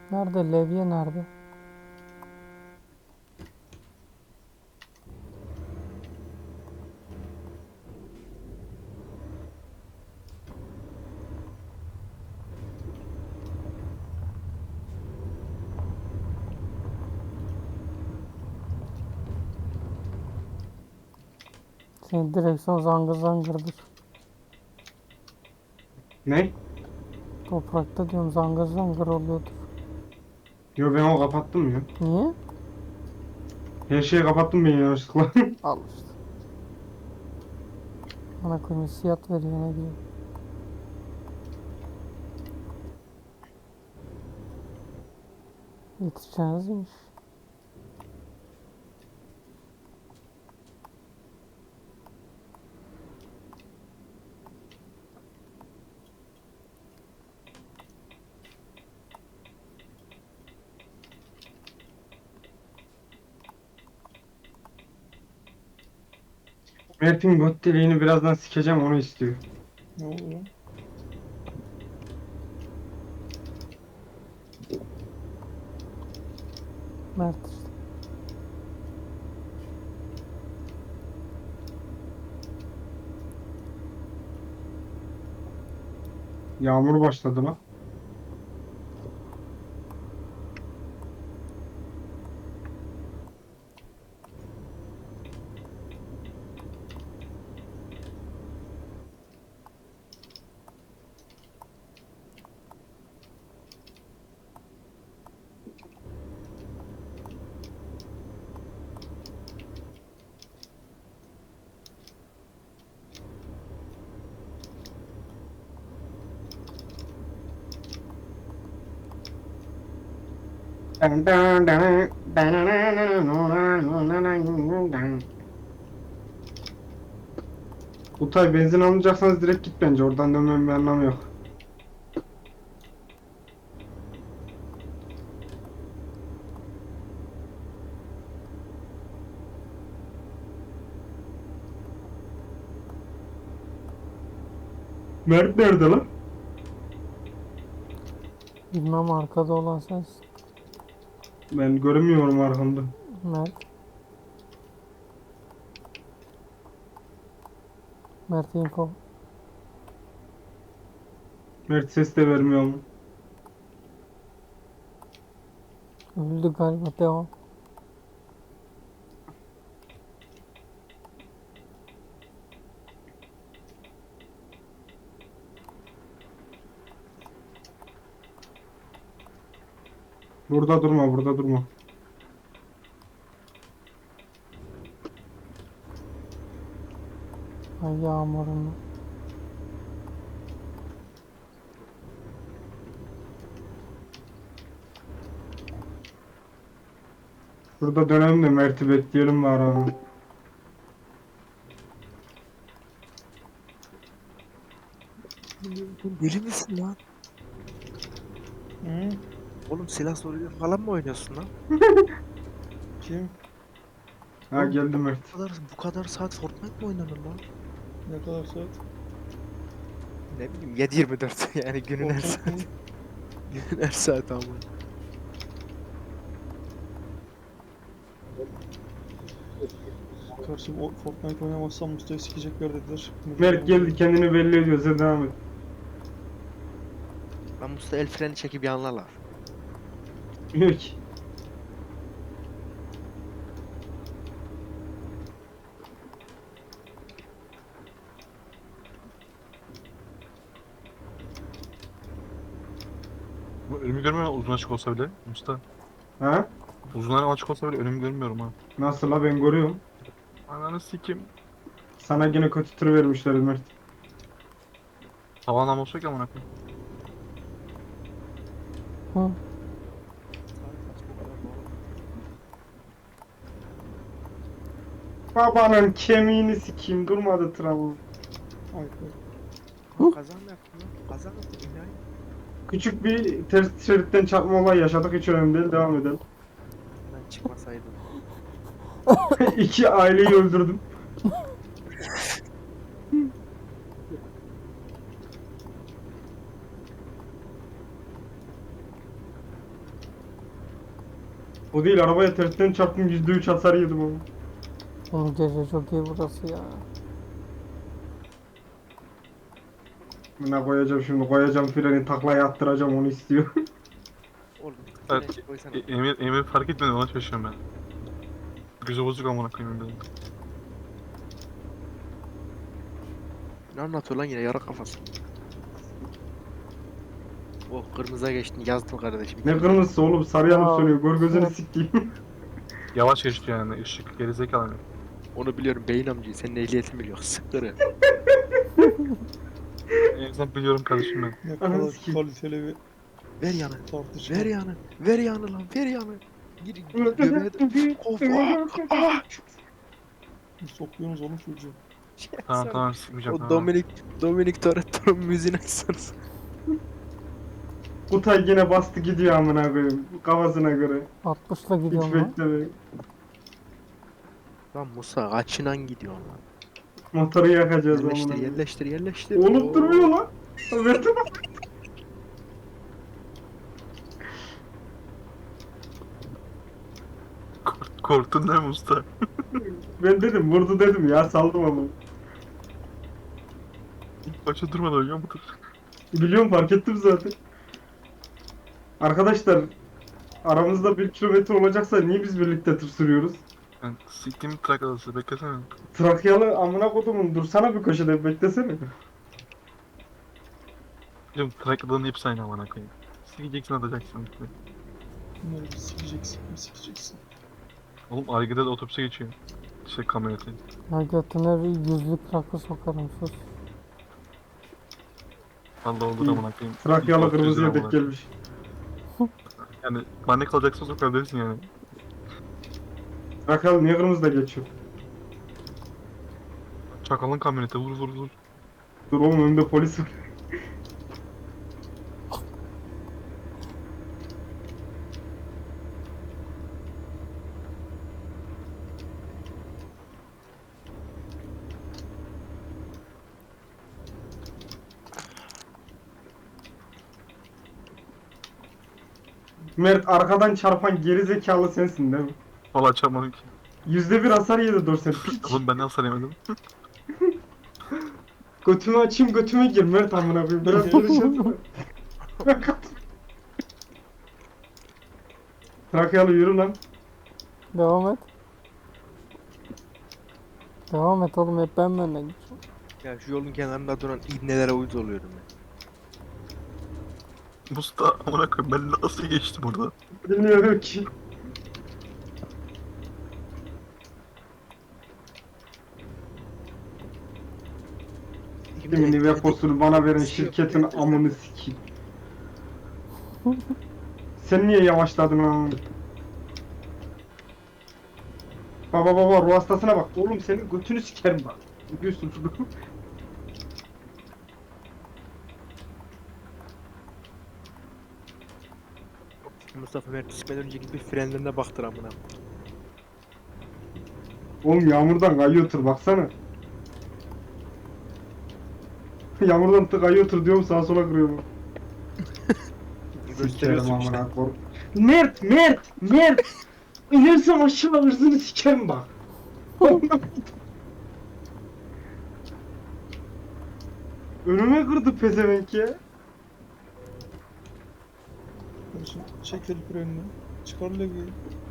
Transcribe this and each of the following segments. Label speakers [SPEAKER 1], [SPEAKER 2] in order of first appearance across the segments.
[SPEAKER 1] Nerede? Levye nerede? Senin direksiyon zangır zangırdır.
[SPEAKER 2] Ne?
[SPEAKER 1] Toprakta diyorum zangır zangır oluyordur.
[SPEAKER 2] Yo ben o kapattım ya.
[SPEAKER 1] Niye?
[SPEAKER 2] Her şeyi kapattım ben yanlışlıkla.
[SPEAKER 1] Al işte. Bana koyayım hissiyat veriyor ne diyeyim. Yetişeceğinizmiş.
[SPEAKER 2] Mert'in göt deliğini birazdan sikeceğim onu istiyor.
[SPEAKER 3] Ne oluyor?
[SPEAKER 1] Mert işte.
[SPEAKER 2] Yağmur başladı lan. Utay benzin almayacaksanız direkt git bence. Oradan dönmemin bir anlamı yok. Mert nerede lan?
[SPEAKER 1] Bilmem arkada olan sensin.
[SPEAKER 2] Ben göremiyorum arkamda.
[SPEAKER 1] Mert. Mert info.
[SPEAKER 2] Mert ses de vermiyor mu?
[SPEAKER 1] Öldü galiba devam.
[SPEAKER 2] Burada durma, burada durma.
[SPEAKER 1] Ay yağmurunu.
[SPEAKER 2] Burada dönelim de Mert'i bekleyelim bari abi.
[SPEAKER 4] Deli misin lan?
[SPEAKER 3] Hı?
[SPEAKER 4] Oğlum silah soruyla falan mı oynuyorsun lan?
[SPEAKER 3] Kim?
[SPEAKER 2] Ha
[SPEAKER 4] Oğlum,
[SPEAKER 2] geldi Mert.
[SPEAKER 4] bu kadar saat Fortnite mi oynanır lan?
[SPEAKER 3] Ne kadar saat?
[SPEAKER 4] Ne bileyim 7/24 yani günün her
[SPEAKER 3] Fortnite
[SPEAKER 4] saati.
[SPEAKER 3] mi?
[SPEAKER 4] Günün her saati ama.
[SPEAKER 3] Kardeşim o Fortnite oynamazsam Mustafa'yı sikecekler dediler.
[SPEAKER 2] Mert geldi kendini belli ediyor. Sen devam et.
[SPEAKER 4] Lan Mustafa el freni çekip yanlarlar.
[SPEAKER 2] Yok ki.
[SPEAKER 5] Bu önümü görmüyorum uzun açık olsa bile. Mustafa.
[SPEAKER 2] Ha?
[SPEAKER 5] Uzun açık olsa bile önümü görmüyorum ha.
[SPEAKER 2] Nasıl la ben görüyorum.
[SPEAKER 5] Ananı sikim.
[SPEAKER 2] Sana yine kötü tır vermişler Mert.
[SPEAKER 5] Tavanlam olsa ki amına koyayım.
[SPEAKER 1] Hı.
[SPEAKER 2] Babanın kemiğini sikeyim durmadı tramvay.
[SPEAKER 3] Ay,
[SPEAKER 4] Kaza mı yaptın lan? Kaza mı yaptın? İlahi.
[SPEAKER 2] Küçük bir ters şeritten çarpma olay yaşadık hiç önemli değil devam edelim.
[SPEAKER 4] Ben çıkmasaydım.
[SPEAKER 2] İki aileyi öldürdüm. O değil, arabaya tersten çarptım, %3 hasar yedim ama.
[SPEAKER 1] Oğlum gece çok iyi burası ya.
[SPEAKER 2] Ne koyacağım şimdi, koyacağım freni, taklaya attıracağım, onu istiyor.
[SPEAKER 4] Oğlum.
[SPEAKER 5] Evet,
[SPEAKER 4] frençi koysana.
[SPEAKER 5] Emir fark etmedi, ona şaşıyorum ben. Gözü bozuk amına koyayım dedim.
[SPEAKER 4] Ne anlatıyor lan yine yara kafası. Oh kırmızıya geçtin yazdım kardeşim.
[SPEAKER 2] Ne kırmızısı oğlum, sarı yanıp
[SPEAKER 1] Aa,
[SPEAKER 2] sönüyor, gör gözünü
[SPEAKER 1] evet.
[SPEAKER 2] sikeyim.
[SPEAKER 5] Yavaş geçti yani, ışık gerizekalı mı?
[SPEAKER 4] Onu biliyorum beyin amcayı senin ehliyetin biliyor. Sıkırı.
[SPEAKER 5] En azından biliyorum kardeşim ben.
[SPEAKER 3] Ne
[SPEAKER 2] Ananı
[SPEAKER 3] kadar
[SPEAKER 2] sikeyim.
[SPEAKER 3] kaliteli bir
[SPEAKER 4] Ver yanı.
[SPEAKER 3] tartışma.
[SPEAKER 4] Ver yanı. Ver yanı lan. Ver yanı. Gir göbeğe de. Of ah.
[SPEAKER 3] Sokuyorsunuz oğlum çocuğu.
[SPEAKER 5] Tamam tamam, sıkmayacağım.
[SPEAKER 4] O
[SPEAKER 5] Tamam.
[SPEAKER 4] Dominic Toretto'nun müziğini açsanız.
[SPEAKER 2] Kutay yine bastı gidiyor amına koyayım, kafasına göre.
[SPEAKER 1] 60'la
[SPEAKER 2] Hiç
[SPEAKER 1] gidiyorum lan.
[SPEAKER 2] bekleme.
[SPEAKER 4] Lan Musa kaçınan gidiyor lan.
[SPEAKER 2] Motoru yakacağız amına
[SPEAKER 4] Yerleştir
[SPEAKER 2] koyayım.
[SPEAKER 4] yerleştir yerleştir.
[SPEAKER 2] Oğlum
[SPEAKER 4] Oo.
[SPEAKER 2] durmuyor lan. Verdim.
[SPEAKER 5] Korktun değil mi usta?
[SPEAKER 2] Ben dedim, vurdu dedim ya, saldım ama.
[SPEAKER 5] Başa durmadan ölüyor mudur?
[SPEAKER 2] Biliyorum, fark ettim zaten. Arkadaşlar, aramızda 1 kilometre olacaksa niye biz birlikte tır sürüyoruz?
[SPEAKER 5] Yani siktiğim trak adası, beklesene.
[SPEAKER 2] Trakyalı amına kodumun, dursana bir köşede, beklesene.
[SPEAKER 5] Biliyorum, trak adanın hepsi aynı amına koyayım. Sikeceksin, atacaksın.
[SPEAKER 3] Bunları bir sikeceksin, bir sikeceksin.
[SPEAKER 5] Oğlum Arge'de de otobüse geçiyor. Şey, kamyoneti.
[SPEAKER 1] Ya götüne yüzlük rakı sokarım sus.
[SPEAKER 5] Vallahi olur
[SPEAKER 2] İyi.
[SPEAKER 5] amına koyayım.
[SPEAKER 2] Trakyalı
[SPEAKER 5] İlk
[SPEAKER 2] kırmızıya
[SPEAKER 5] amına
[SPEAKER 2] denk
[SPEAKER 5] koyayım.
[SPEAKER 2] gelmiş.
[SPEAKER 5] Yani bana ne kalacaksa sokabilirsin yani.
[SPEAKER 2] Trakyalı niye kırmızıda geçiyor?
[SPEAKER 5] Çakalın kamyoneti, vur vur vur.
[SPEAKER 2] Dur oğlum, önümde polis var. Mert, arkadan çarpan geri zekalı sensin değil mi?
[SPEAKER 5] Valla çarpmadım ki.
[SPEAKER 2] %1 hasar yedi Dorsen. Piç.
[SPEAKER 5] Oğlum ben de hasar yemedim.
[SPEAKER 2] Götümü açayım, götüme gir Mert amına koyayım. Biraz konuşalım. Trakyalı yürü lan.
[SPEAKER 1] Devam et. Devam et oğlum, hep ben benden gideceğim.
[SPEAKER 4] Ya şu yolun kenarında duran ibnelere uyuz oluyorum ben.
[SPEAKER 5] Musta amına koyayım, ben nasıl geçtim orada?
[SPEAKER 2] Bilmiyorum ki. Kimin veposunu bana veren şirketin amını sikeyim. Sen niye yavaşladın lan? Baba ruh hastasına bak. Oğlum senin götünü sikerim bak. Biliyorsun şunu.
[SPEAKER 4] Mustafa Mert gitmeden önceki bir frenlerine baktır amına.
[SPEAKER 2] Oğlum yağmurdan kayıyor tır baksana. Yağmurdan kayıyor tır diyorum, sağa sola kırıyorum. Sikerim
[SPEAKER 4] Gösteriyorsun işte.
[SPEAKER 2] amına koyayım. Mert! İnersem aşağı hırsını sikerim bak. Önüme kırdı pezevenk ya.
[SPEAKER 3] Kardeşim çek el frenini. Çıkar levyeyi.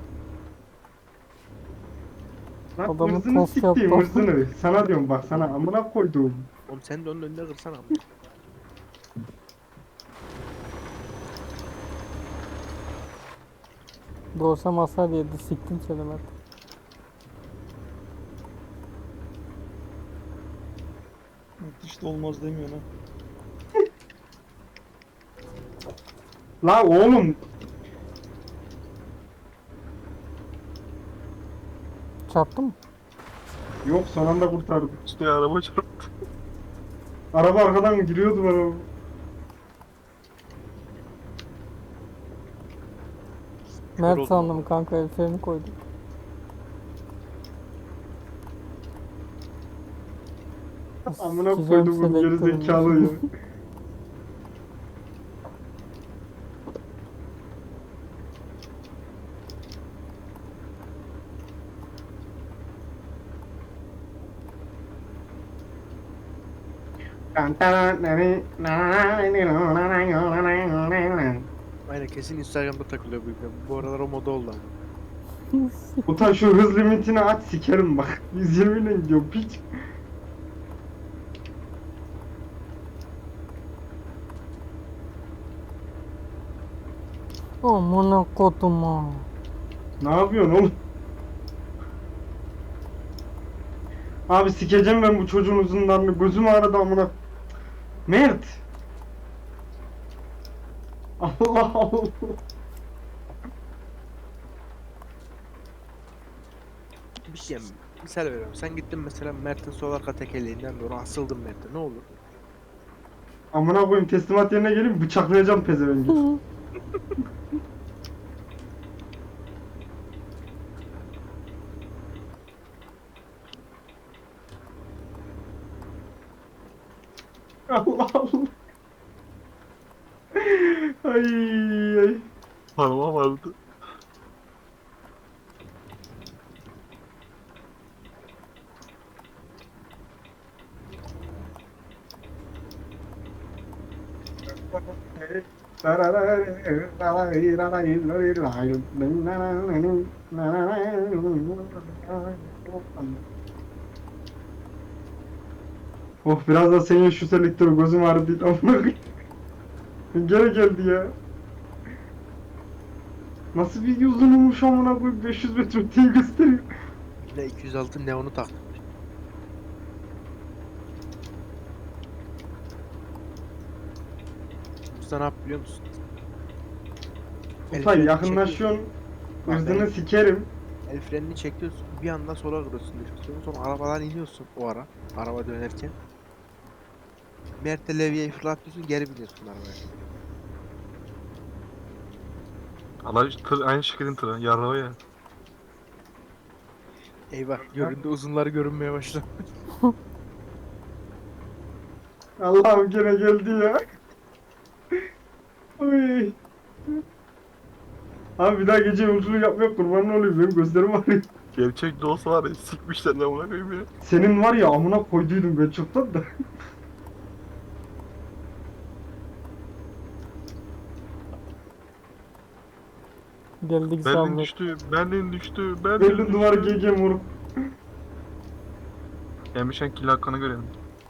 [SPEAKER 2] Lan
[SPEAKER 1] Adamı
[SPEAKER 2] hırsını
[SPEAKER 1] tost
[SPEAKER 2] siktiğim,
[SPEAKER 1] yaptı.
[SPEAKER 2] hırsını. Sana diyorum bak, sana amına koyduğum.
[SPEAKER 4] Oğlum sen de onun önüne kırsana amına.
[SPEAKER 1] Doğursam hasar yedi, siktim seni Mert.
[SPEAKER 3] Evet, işte olmaz demiyor ha.
[SPEAKER 2] La oğlum,
[SPEAKER 1] Çarptın mı?
[SPEAKER 2] yok son anda kurtardım.
[SPEAKER 5] Üstüne araba çarptı.
[SPEAKER 2] Araba arkadan giriyordu bana.
[SPEAKER 1] Mert
[SPEAKER 4] oldu.
[SPEAKER 1] sandım kanka, el freni koydum.
[SPEAKER 2] Amına
[SPEAKER 1] Sikeceğim
[SPEAKER 2] koydum bu geri
[SPEAKER 1] selektörünü.
[SPEAKER 2] zekalı ya.
[SPEAKER 4] Aynen kesin Instagram'da takılıyor bu yüzden. Bu aralar o moda oldu ama.
[SPEAKER 2] Utan şu hız limitini aç sikerim bak. 120 ile gidiyor piç.
[SPEAKER 1] Amına koduma.
[SPEAKER 2] Ne yapıyorsun oğlum? Abi sikeceğim ben bu çocuğun uzunlarını. Gözüm ağrıdı amına. Mert. Allah Allah.
[SPEAKER 4] Bir şey misal veriyorum. Sen gittin mesela Mert'in sol arka tekerleğinden doğru asıldın Mert'e. Ne olur?
[SPEAKER 2] Amına koyayım teslimat yerine geleyim bıçaklayacağım pezevengi. Allah Allah. Ay ay.
[SPEAKER 5] Parmağı vardı. Oh biraz da senin şu selektörü gözüm ağrıdı değil amına koyayım. Gene geldi ya. Nasıl bir uzunmuş amına koyayım 500 metre öteyi gösteriyor.
[SPEAKER 4] Yine 206 neonu taktım. Usta ne yap biliyor musun? El
[SPEAKER 2] Utay
[SPEAKER 4] frenini
[SPEAKER 2] yakınlaşıyorsun.
[SPEAKER 4] Bak,
[SPEAKER 2] Hırzını
[SPEAKER 4] ben-
[SPEAKER 2] sikerim.
[SPEAKER 4] El frenini çekiyorsun, bir anda sola kırıyorsun direksiyonu, sonra arabadan iniyorsun o ara, araba dönerken. Mert'e levyeyi fırlatıyorsun, geri biniyorsun arabaya.
[SPEAKER 5] Allah tır aynı şirketin tırı. Yarrağı ya.
[SPEAKER 4] Eyvah, göründü uzunları görünmeye başladı.
[SPEAKER 2] Allah'ım gene geldi ya. Oy. Abi bir daha gece yolculuğu yapmaya kurban olayım benim gözlerim ağrıyor.
[SPEAKER 5] Gerçek de olsa var ya sikmişler ne buna koyayım ya.
[SPEAKER 2] Senin var ya amına koyduydum ben çoktan da.
[SPEAKER 1] Geldik
[SPEAKER 5] Berlin
[SPEAKER 1] sandık.
[SPEAKER 5] düştü, Berlin düştü, Berlin
[SPEAKER 2] Berlin
[SPEAKER 5] düştü.
[SPEAKER 2] duvar GG moruk.
[SPEAKER 5] Gelmişken kill hakkını görelim.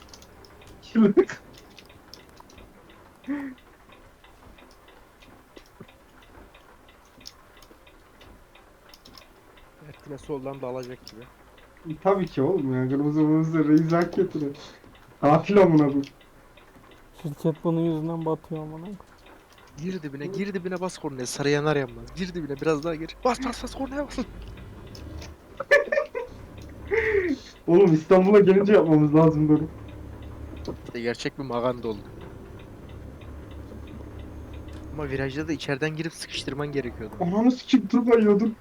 [SPEAKER 4] Mert yine soldan dalacak gibi.
[SPEAKER 2] Tabii ki oğlum ya kırmızı reis hak getiriyor. Katil amına koyayım.
[SPEAKER 1] Şirket bunun yüzünden batıyor amına.
[SPEAKER 4] Gir dibine bas kornaya, sarı yanar yanmaz. Gir dibine biraz daha gir. Bas kornaya bas.
[SPEAKER 2] Oğlum İstanbul'a gelince yapmamız lazım böyle.
[SPEAKER 4] İşte gerçek bir maganda oldu. Ama virajda da içeriden girip sıkıştırman gerekiyordu.
[SPEAKER 2] Ananı sikim tur kayıyordum.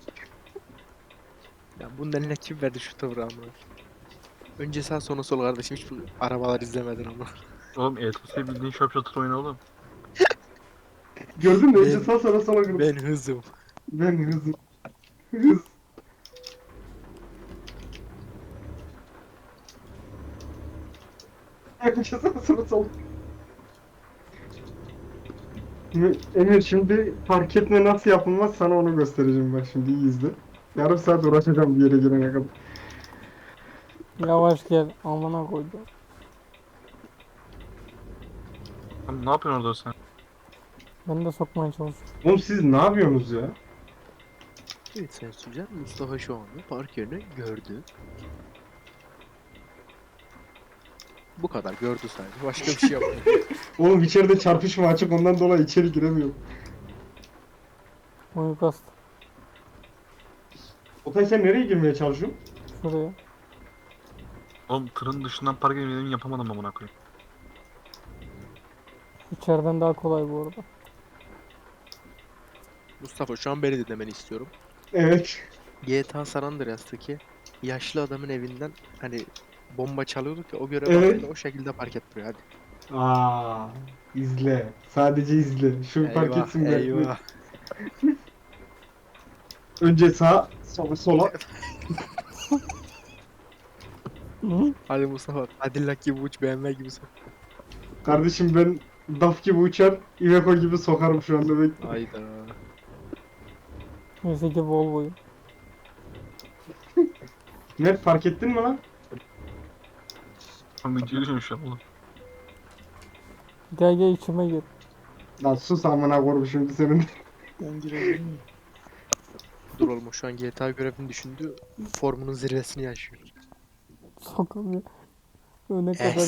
[SPEAKER 4] Ya bunun eline kim verdi şu tavrı amına? Önce sağ sonra sol kardeşim, hiç bu arabalar izlemedin ama.
[SPEAKER 5] Oğlum ETS bildiğin şop şatır oyunu oğlum.
[SPEAKER 2] Gördün mü? Önce
[SPEAKER 4] Ben-
[SPEAKER 2] sağ sonra sola kırdım.
[SPEAKER 4] Ben hızım.
[SPEAKER 2] Ben hızım. Hız. Önce sağ sonra sola. Emir şimdi fark etme nasıl yapılmaz sana onu göstereceğim bak şimdi iyi izle. Yarım saat uğraşacağım bir yere gelene kadar.
[SPEAKER 1] Yavaş gel amına koydum.
[SPEAKER 5] Oğlum ne yapıyorsun orada sen?
[SPEAKER 1] Ben de sokmaya çalışıyorum.
[SPEAKER 2] Oğlum siz ne yapıyorsunuz ya?
[SPEAKER 4] Evet sen Sücan, Mustafa şu anda park yerini gördü. Bu kadar gördü sadece. Başka bir şey yapmadı.
[SPEAKER 2] Oğlum içeride çarpışma açık ondan dolayı içeri giremiyorum.
[SPEAKER 1] Uyukast.
[SPEAKER 2] Otay sen nereye girmeye çalışıyorsun?
[SPEAKER 1] Şuraya.
[SPEAKER 5] Oğlum tırın dışından park edeyim yapamadım amına koyayım.
[SPEAKER 1] İçeriden daha kolay bu arada.
[SPEAKER 4] Mustafa şu an beni dinlemeni istiyorum.
[SPEAKER 2] Evet.
[SPEAKER 4] GTA San Andreas'taki yaşlı adamın evinden hani bomba çalıyorduk ya, o görev
[SPEAKER 2] Evet.
[SPEAKER 4] hakkında o şekilde park et buraya hadi.
[SPEAKER 2] Aa, izle. Sadece izle. Şu fark etsin ben.
[SPEAKER 4] eyvah.
[SPEAKER 2] Önce sağ, sonra sola.
[SPEAKER 1] Hı?
[SPEAKER 4] Hadi Mustafa. Cadillac gibi uç, BMW gibi sok.
[SPEAKER 2] Kardeşim ben DAF gibi uçar, Iveco gibi sokarım şu anda bekle.
[SPEAKER 4] Hayda.
[SPEAKER 1] Neyse ki Volvo'yu.
[SPEAKER 2] Mert fark ettin mi lan?
[SPEAKER 6] Kanka giriyorum şu an oğlum.
[SPEAKER 1] Gel gel içime gir.
[SPEAKER 2] Lan sus amına koyayım şimdi senin.
[SPEAKER 3] Ben girebilir miyim?
[SPEAKER 4] Dur oğlum, o şu an GTA görevini düşündü. Formunun zirvesini yaşıyor.
[SPEAKER 1] Sokamıyor. Öne
[SPEAKER 4] Eh.
[SPEAKER 1] kadar